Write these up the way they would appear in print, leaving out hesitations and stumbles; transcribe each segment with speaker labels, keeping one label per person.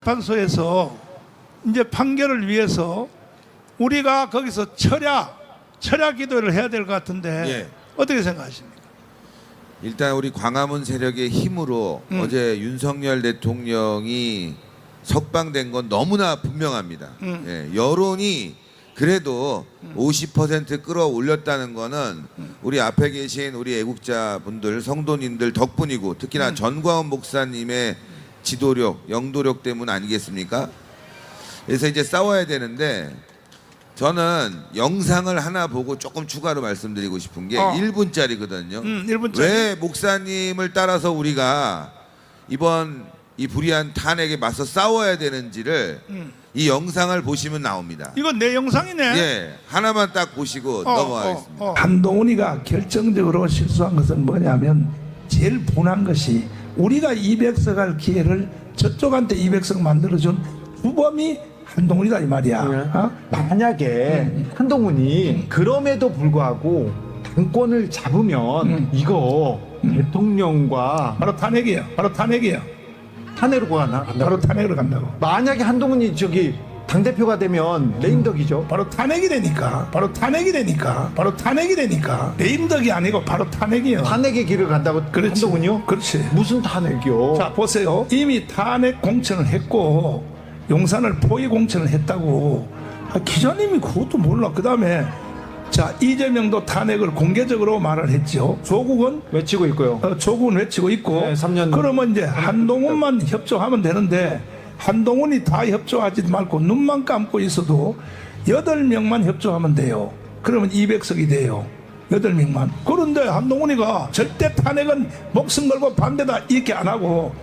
Speaker 1: 판소에서 이제 판결을 위해서 우리가 거기서 철야 기도를 해야 될 것 같은데
Speaker 2: 예.
Speaker 1: 어떻게 생각하십니까?
Speaker 2: 일단 우리 광화문 세력의 힘으로 어제 윤석열 대통령이 석방된 건 너무나 분명합니다. 예, 여론이 그래도 50% 끌어올렸다는 거는 우리 앞에 계신 우리 애국자분들, 성도님들 덕분이고 특히나 전광훈 목사님의 지도력, 영도력 때문 아니겠습니까? 그래서 이제 싸워야 되는데 저는 영상을 하나 보고 조금 추가로 말씀드리고 싶은 게 1분짜리거든요.
Speaker 1: 1분짜리.
Speaker 2: 왜 목사님을 따라서 우리가 이번 이 불의한 탄핵에 맞서 싸워야 되는지를 이 영상을 보시면 나옵니다.
Speaker 1: 이건 내 영상이네.
Speaker 2: 예, 하나만 딱 보시고 넘어가겠습니다.
Speaker 3: 한동훈이가 결정적으로 실수한 것은 뭐냐면 제일 분한 것이 우리가 200석 할 기회를 저쪽한테 200석 만들어준 주범이 한동훈이다 이 말이야. 어?
Speaker 4: 만약에 한동훈이 그럼에도 불구하고 당권을 잡으면 이거 대통령과
Speaker 3: 바로 탄핵이에요. 바로 탄핵이에요.
Speaker 4: 탄핵으로 가나?
Speaker 3: 바로 탄핵으로 간다고.
Speaker 4: 만약에 한동훈이 저기 당대표가 되면 레임덕이죠.
Speaker 3: 바로 탄핵이 되니까. 바로 탄핵이 되니까. 바로 탄핵이 되니까. 레임덕이 아니고 바로 탄핵이에요.
Speaker 4: 탄핵의 길을 간다고.
Speaker 3: 그렇지.
Speaker 4: 한동훈이요?
Speaker 3: 그렇지.
Speaker 4: 무슨 탄핵이요?
Speaker 3: 자 보세요. 이미 탄핵 공천을 했고 용산을 포위 공천을 했다고. 기자님이 그것도 몰라. 그 다음에 자 이재명도 탄핵을 공개적으로 말을 했죠. 조국은
Speaker 4: 외치고 있고요.
Speaker 3: 조국은 외치고 있고.
Speaker 4: 네, 3년
Speaker 3: 그러면 이제 한동훈만 협조하면 되는데 한동훈이 다 협조하지 말고 눈만 감고 있어도 8명만 협조하면 돼요. 그러면 200석이 돼요. 8명만. 그런데 한동훈이가 절대 탄핵은 목숨 걸고 반대다 이렇게 안 하고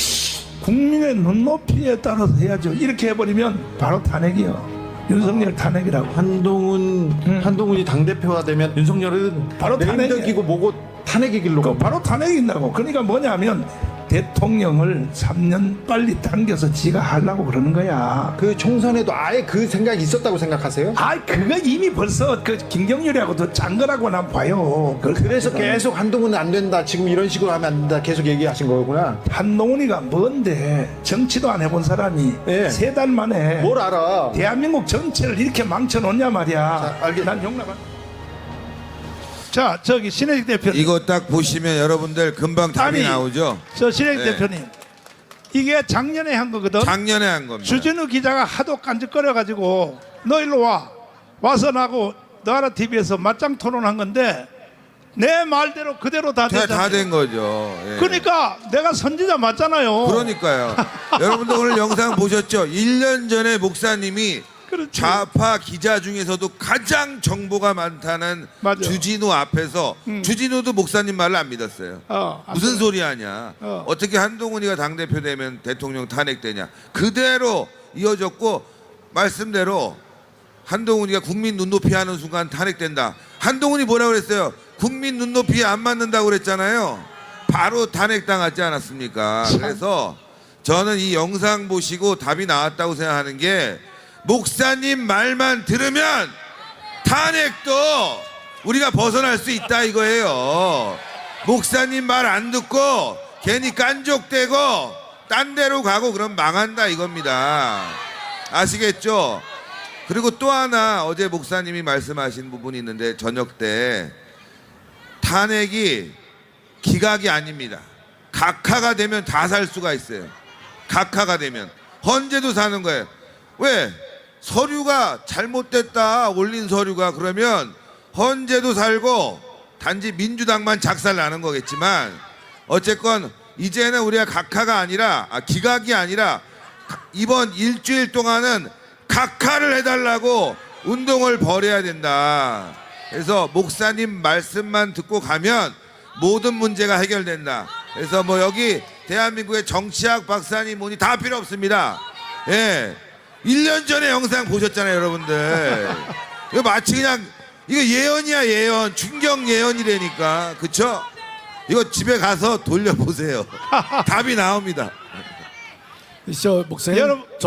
Speaker 3: 국민의 눈높이에 따라서 해야죠. 이렇게 해버리면 바로 탄핵이요. 윤석열 탄핵이라고.
Speaker 4: 한동훈이 당대표가 되면 윤석열은
Speaker 3: 바로
Speaker 4: 레임덕이고 뭐고 탄핵의 길로 가.
Speaker 3: 바로 탄핵인다고. 그러니까 뭐냐면 대통령을 3년 빨리 당겨서 지가 하려고 그러는 거야.
Speaker 4: 그 총선에도 아예 그 생각이 있었다고 생각하세요?
Speaker 3: 아, 그거 이미 벌써 그 김경률이하고 더 짠 거라고 난 봐요.
Speaker 4: 그래서 계속 한동훈은 안 된다. 지금 이런 식으로 하면 안 된다. 계속 얘기하신 거구나.
Speaker 3: 한동훈이가 뭔데 정치도 안 해본 사람이
Speaker 4: 예.
Speaker 3: 3달 만에
Speaker 4: 뭘 알아?
Speaker 3: 대한민국 전체를 이렇게 망쳐놓냐 말이야.
Speaker 4: 자, 알겠-
Speaker 3: 난 용납 안. 자, 저기 신혜식 대표님.
Speaker 2: 이거 딱 보시면 여러분들 금방 답이
Speaker 1: 아니,
Speaker 2: 나오죠.
Speaker 1: 저 신혜식
Speaker 2: 네.
Speaker 1: 대표님, 이게 작년에 한 거거든.
Speaker 2: 작년에 한 겁니다.
Speaker 1: 주진우 기자가 하도 깐죽거려가지고 너 일로 와서 나하고 너하라 TV에서 맞짱 토론한 건데 내 말대로 그대로 다 됐잖아요.
Speaker 2: 다 된 거죠. 예.
Speaker 1: 그러니까 내가 선지자 맞잖아요.
Speaker 2: 그러니까요. 여러분들 오늘 영상 보셨죠? 1년 전에 목사님이
Speaker 1: 그렇지.
Speaker 2: 좌파 기자 중에서도 가장 정보가 많다는
Speaker 1: 맞아.
Speaker 2: 주진우 앞에서 주진우도 목사님 말을 안 믿었어요. 무슨 소리 하냐. 어떻게 한동훈이가 당대표 되면 대통령 탄핵되냐. 그대로 이어졌고 말씀대로 한동훈이가 국민 눈높이 하는 순간 탄핵된다. 한동훈이 뭐라고 그랬어요? 국민 눈높이에 안 맞는다고 그랬잖아요. 바로 탄핵당하지 않았습니까? 그래서 저는 이 영상 보시고 답이 나왔다고 생각하는 게 목사님 말만 들으면 탄핵도 우리가 벗어날 수 있다 이거예요. 목사님 말 안 듣고 괜히 깐족대고 딴 데로 가고 그럼 망한다 이겁니다. 아시겠죠? 그리고 또 하나 어제 목사님이 말씀하신 부분이 있는데 저녁 때 탄핵이 기각이 아닙니다. 각하가 되면 다 살 수가 있어요. 각하가 되면 헌재도 사는 거예요. 왜? 서류가 잘못됐다 올린 서류가 그러면 헌재도 살고 단지 민주당만 작살 나는 거겠지만 어쨌건 이제는 우리가 각하가 아니라 기각이 아니라 이번 일주일 동안은 각하를 해달라고 운동을 벌여야 된다. 그래서 목사님 말씀만 듣고 가면 모든 문제가 해결된다. 그래서 뭐 여기 대한민국의 정치학 박사님 뭐니 다 필요 없습니다. 예. 1년 전에 영상 보셨잖아요, 여러분들. 이거 마치 그냥 이거 예언이야, 예언. 충격 예언이라니까. 그쵸? 이거 집에 가서 돌려보세요. 답이 나옵니다.
Speaker 5: 저 목사님
Speaker 1: 여러분